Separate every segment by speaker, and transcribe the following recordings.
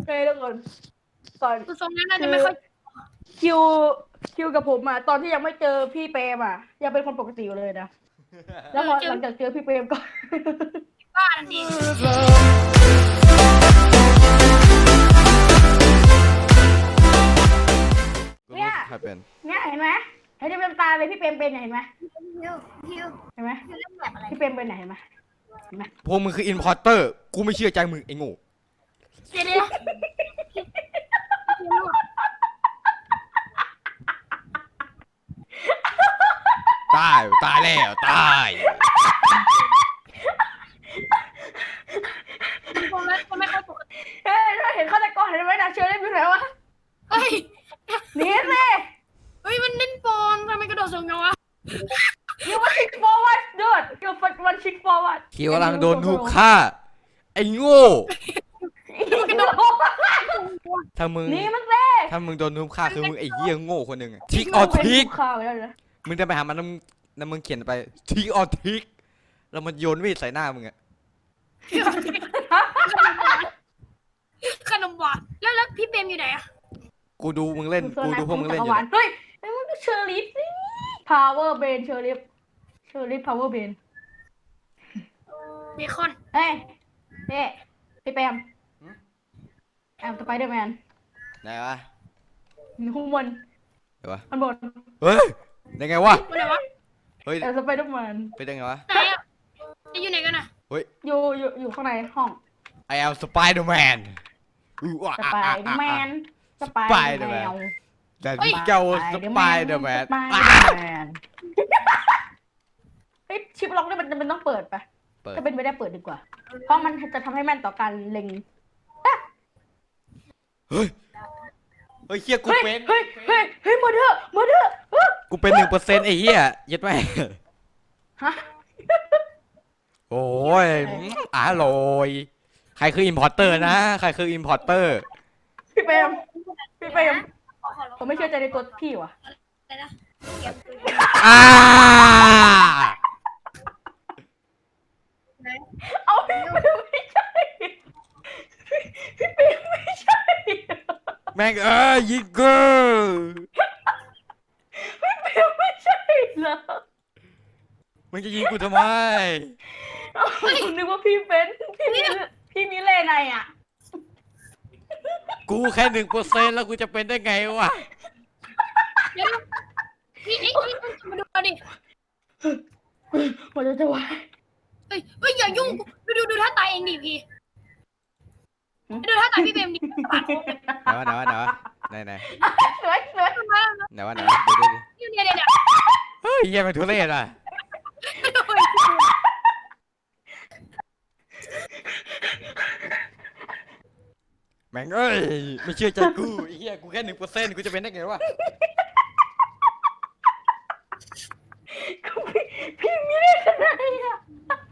Speaker 1: เฮ้ยทุกคนก่อน
Speaker 2: คือทรงนั้นน่าจะไม่ค่อย
Speaker 1: คิวคิวกับผมอ่ะตอนที่ยังไม่เจอพี่เปรมอ่ะยังเป็นคนปกติอยู่เลยนะแล้วพอหลังจากเจอพี่เปรมก็
Speaker 2: บ้าทันที
Speaker 1: เนี่ย
Speaker 3: ใครเป็น
Speaker 1: เนี่ยเห็นไหมเห็นที่เป็นตาเลยพี่เปรมเป็นเห็นไหม
Speaker 2: ฮิว
Speaker 1: เห็นไหม
Speaker 2: เล่นแบบอะไร
Speaker 1: พี่เปรมเป็นไหนเห็นไหม
Speaker 3: พวกมึงคืออินพอร์เตอร์กูไม่เชื่อใจมึงไอ้โง่
Speaker 2: เดี๋ยว
Speaker 3: ตายแล้วตาย
Speaker 2: คนไม่ค่อยปกติ
Speaker 1: เฮ้ยเราเห็นฆาตกรเห็นไหมนะเชอรี่อยู่ไหนวะ
Speaker 2: เฮ้ย
Speaker 1: หนีสิ
Speaker 2: เฮ้ยมันเล่นปอนทำไมกระโดดสูงจังวะ
Speaker 1: you want kick forward dude you want kick forward
Speaker 3: คิวกำลังโดนทุบฆ่าไอ้โง่ ถ้ามึง
Speaker 1: หนีมันสิ
Speaker 3: ถ้ามึงโดนทุบฆ่าคือมึงไอ้เหี้ยโง่คนหนึ่งทิกออทิก
Speaker 1: ข้าวไปแล้วนะ
Speaker 3: มึงจะไปหามันแล้วมึงเขียนไปทิกออทิกแล้วมันโยนมีดใส่หน้ามึงอะ
Speaker 2: ขนมหวานแล้วพี่เปรมอยู่ไหนอะ
Speaker 3: กูดูมึงเล่นกูดูพวกมึงเล่นอยู่
Speaker 1: เฮ้ยไอ้มึงก็เชอรี่สิ power brain เชอรี่ power brain
Speaker 2: เบคอน
Speaker 1: เฮ้ยเฮ้พี่แปมแอมสไปเดอร์แมน
Speaker 3: ไหนวะ
Speaker 1: ข้างบน
Speaker 3: ไหนวะ
Speaker 1: ข้างบน
Speaker 3: เฮ้ยได้ไงวะ
Speaker 2: อะไรวะ
Speaker 3: เฮ้ย
Speaker 1: แอมสไปเดอร์แมน
Speaker 3: ไปได้ไงวะ
Speaker 2: ไหนอะจะอยู่ไหนกันอะ
Speaker 3: เฮ้ย
Speaker 1: อยู่ข้างในห้อง
Speaker 3: I am Spider-Man
Speaker 1: สไปเดอร์แมนสไปเดอร์แมน
Speaker 3: แต่ที่เจ้า Spider-Man
Speaker 1: เฮ้ยชิปล็อกนี่มันต้องเปิดปะ
Speaker 3: เปิด
Speaker 1: ถ้าเป็นไม่ได้เปิดดีกว่า เพราะมันจะทำให้แม่นต่อการเล็ง
Speaker 3: เฮ้ยเฮ้ยเฮียกู
Speaker 1: เฮ้ย
Speaker 3: เป็น
Speaker 1: เฮ้ยมาเถอะ
Speaker 3: กูเป็น1%ไอ้เหี้ยยัดแม่
Speaker 1: ฮะ
Speaker 3: โอ้ยอร่อยใครคืออิมพอร์เตอร์นะใครคืออิมพอร์เตอร์
Speaker 1: พี่เปรมผมไม่เชื่อใจในตัวพี่ว่ะ
Speaker 2: อะไรนะ
Speaker 3: อ่า
Speaker 1: เอาพี่เปรมไม่ใช่พี่เปรมไม่ใช่
Speaker 3: แม่งยิงกู
Speaker 1: พี่เปรมไม่ใช่เหรอ
Speaker 3: มึงจะยิงกูทำไม
Speaker 1: ผมนึกว่าพี่เป็นพี่มิเลนายอ่ะ
Speaker 3: กูแค่1%แล้วกูจะเป็นได้ไงวะ
Speaker 2: เดี๋ยวพี่มาดูดิ
Speaker 1: มันจะวาย
Speaker 2: เฮ้ยอย่ายุ่งดูท่าตายเองดิพี่ดูท่าตายพี่เปรมดิปาดโค้ง
Speaker 3: ไหน
Speaker 1: สวย
Speaker 3: เดี๋ยว
Speaker 2: เดี๋ยว
Speaker 3: เฮ้ยเหี้ยมันทุเรศอ่ะแม่งเอ้ยไม่เชื่อใจกูไอ้เหี้ยกูแค่1%กูจะเป็นได้ไงวะ
Speaker 1: พี่มิเลนายอ่ะ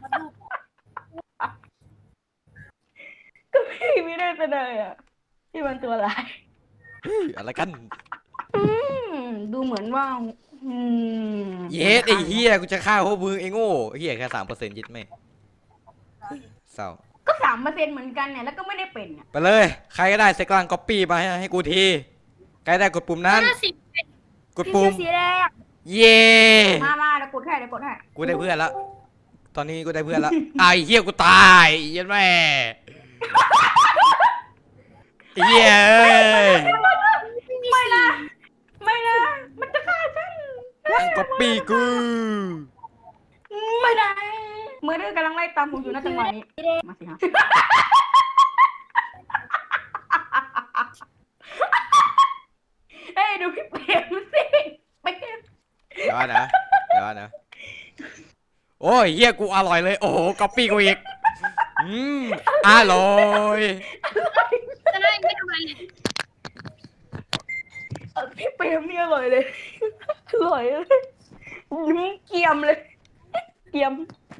Speaker 1: ก็พี่มิเลนายอ่ะพี่มันตัวร้าย
Speaker 3: อะไรกัน
Speaker 1: ดูเหมือนว่า
Speaker 3: เย็ดไอ้เหี้ยกูจะฆ่าพวกมึงไอ้โง่ไอ้เหี้ยแค่3%ยึดไม่เศร้า
Speaker 1: ก็3%เหมือนกันเนี่ยแล้วก็ไม่ได้เป็นอ่ะ
Speaker 3: ไปเลยใครก็ได้เซกลังก๊อปปี้มาให้กูทีใครได้กดปุ่มนั้น
Speaker 2: 50
Speaker 3: กดปุ่ม
Speaker 2: สีแดง
Speaker 3: เย้
Speaker 1: มาเดี๋ยวกดให้
Speaker 3: กูได้เพื่อนแล้วตอนนี้กูได้เพื่อนแล้วไอ้เหี้ยกูตายเยันแม่ไอ้เหี้ยเอ้ย
Speaker 1: ไม่นะมันจะฆ่าฉัน
Speaker 3: นั่งก๊อปปี้กู
Speaker 1: ไม่ได้เมื่อเรื่องกำลังไล่ตามผมอยู่นะจังหวะนี้มาสิฮะเฮ้ยดูพี่เปรมสิเปรม
Speaker 3: เดี๋ยวนะโอ้ยเหี้ยกูอร่อยเลยโอ้โหก๊อปปี้กูอีกอร่อย
Speaker 2: จะได้ไม่ทำอะไรเลย
Speaker 1: พี่เปรมนี่อร่อยเลยเกรียมเลยเกรียม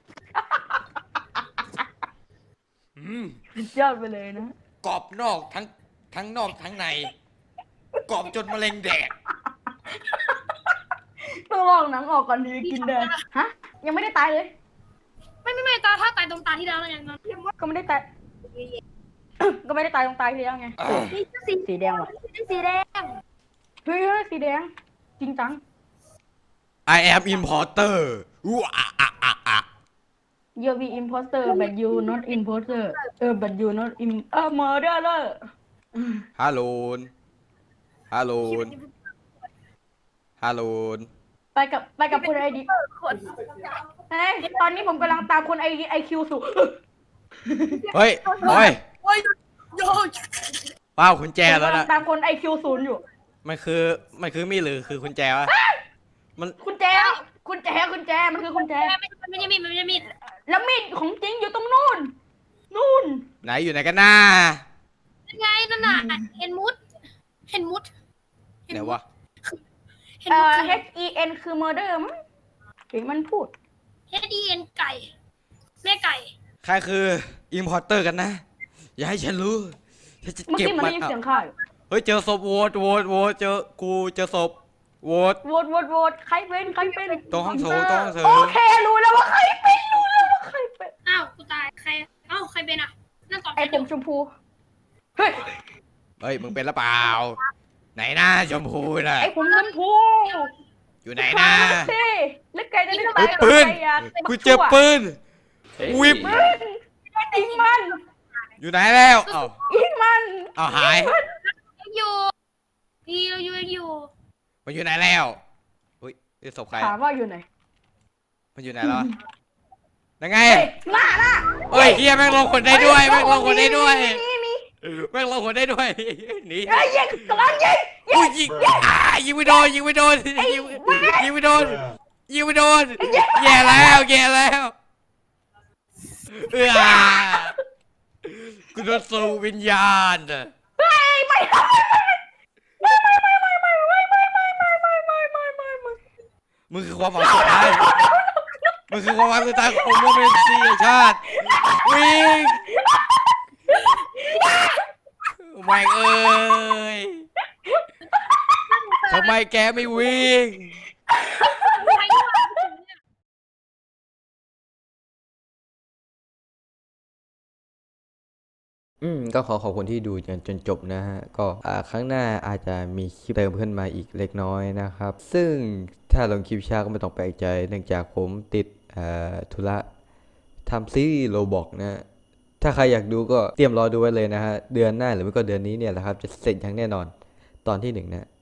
Speaker 1: สุดยอดไปเลยนะ
Speaker 3: กรอบนอกทั้งนอกทั้งในกรอบจนมะเร็งแดก
Speaker 1: ต้องลองหนังออกก่อนดีกินเดินฮะยังไม่ได้ตายเลย
Speaker 2: ไม่ตาถ้าตายตรงตาที่แล้วแล้วกัน
Speaker 1: ก็ไม่ได้ตายก็ไม่ได้ตายตรงตายทีแล้วไง
Speaker 2: นี่สี
Speaker 1: สีแดงว่ะ
Speaker 2: สีแดง
Speaker 1: เฮ้ยสีแดงจริงจัง
Speaker 3: I am importer อู้อะอะอะอะ
Speaker 1: You be imposter but you not imposter but you not murderer
Speaker 3: ฮัลโหลฮัลโหลฮัลโหล
Speaker 1: ไปกับคุณไอดี
Speaker 2: คน
Speaker 1: เฮ้ยตอนนี้ผมกำลังตามคนไอคิวสู่
Speaker 3: เฮ้ยโอ้ย
Speaker 2: โอ้ยโย
Speaker 3: ว้าวคุณแจ
Speaker 1: ผม
Speaker 3: แล้ว
Speaker 1: กำลั
Speaker 3: นะ
Speaker 1: งตามคนไอคิวศูนย์อยู่
Speaker 3: มันคือมีดหรือคือคุณแจวะมัน
Speaker 1: คุณแจมันคือคุณแจ
Speaker 2: มันจะมี
Speaker 1: แล้วมีดของจริงอยู่ตรงนู่น
Speaker 3: ไหนอยู่ไหนกันน้า
Speaker 2: ไงนั่นน่ะเห็นมุด
Speaker 3: ไหนวะ
Speaker 1: HEN คือ murder มั้งเห็นมันพูด
Speaker 2: HDN ไก่แม่ไก่
Speaker 3: ใครคือ importer กันนะ อย่าให้ฉันรู้ฉันจะ
Speaker 1: เมื่อ
Speaker 3: เก็บ
Speaker 1: กี้มัน
Speaker 3: มั
Speaker 1: ได้
Speaker 3: น
Speaker 1: ยิน
Speaker 3: เอา
Speaker 1: เสียงข่าว
Speaker 3: เฮ้ยเจอศพโหวตเจอกูเจอศพโหวต
Speaker 1: โหวตใครเป็น
Speaker 3: ตรงห้องโถงตรงห้องโถง
Speaker 1: โอเครู้แล้วว่าใครเป็น
Speaker 2: อ้าวกูตายใครอ้าวใครเป็นอ่ะนั่นตอบ
Speaker 1: ไอผมชมพูเฮ้ย
Speaker 3: เฮ้ยมึงเป็นหรือเปล่า ไหนหน้าชมพูน่ะ
Speaker 1: ไอผมชมพู
Speaker 3: อยู่ไหนนะ
Speaker 1: สิแล้วแกจะได้
Speaker 3: เฮ้ยปืนกูเจอปืนวิบ
Speaker 1: ปืนยิงมัน
Speaker 3: อยู่ไหนแล้วเอ้า
Speaker 1: ยิงมัน
Speaker 3: เอาหาย
Speaker 2: อยู่พี่เราอยู่
Speaker 3: มันอยู่ไหนแล้วอุ้ยนี่ศพใคร
Speaker 1: ถามว่าอยู่ไหน
Speaker 3: มันอยู่ไหนแล้วยังไง
Speaker 1: เฮ้ยหน้า
Speaker 3: เฮ้ยเฮียแม่งลงคนได้ด้วยแม่งลงคนได้ด้วย
Speaker 1: มี
Speaker 3: แม่งลงคนได้ด้วยหนี
Speaker 1: เอ้ยยิงกำลังยิง
Speaker 3: อุ้ยยิงยิงไม่โดนยิงไม่โดนยิงไม่โดนยิงไม่โดนแย่แล้วกูโดนสู่วิญญาณ
Speaker 1: เฮ้ยไม่
Speaker 3: มึงคือความหวังสุดท้ายมึงคือความหวังสุดท้ายของโมเมนต์ซีชาติวิ่งไม่เอ้ยทำไมแกไม่วิ่ง ก็ขอบคุณที่ดูจนจบนะฮะ ก็ครั้งหน้าอาจจะมีคลิปเติมขึ้นมาอีกเล็กน้อยนะครับ ซึ่งถ้าลงคลิปช้าก็ไม่ต้องแปลกใจ เนื่องจากผมติดธุระทำซีรีส์โรบอกนะ ถ้าใครอยากดูก็เตรียมรอดูไว้เลยนะฮะ เดือนหน้าหรือไม่ก็เดือนนี้เนี่ยแหละครับ จะเสร็จอย่างแน่นอนตอนที่ 1 นะ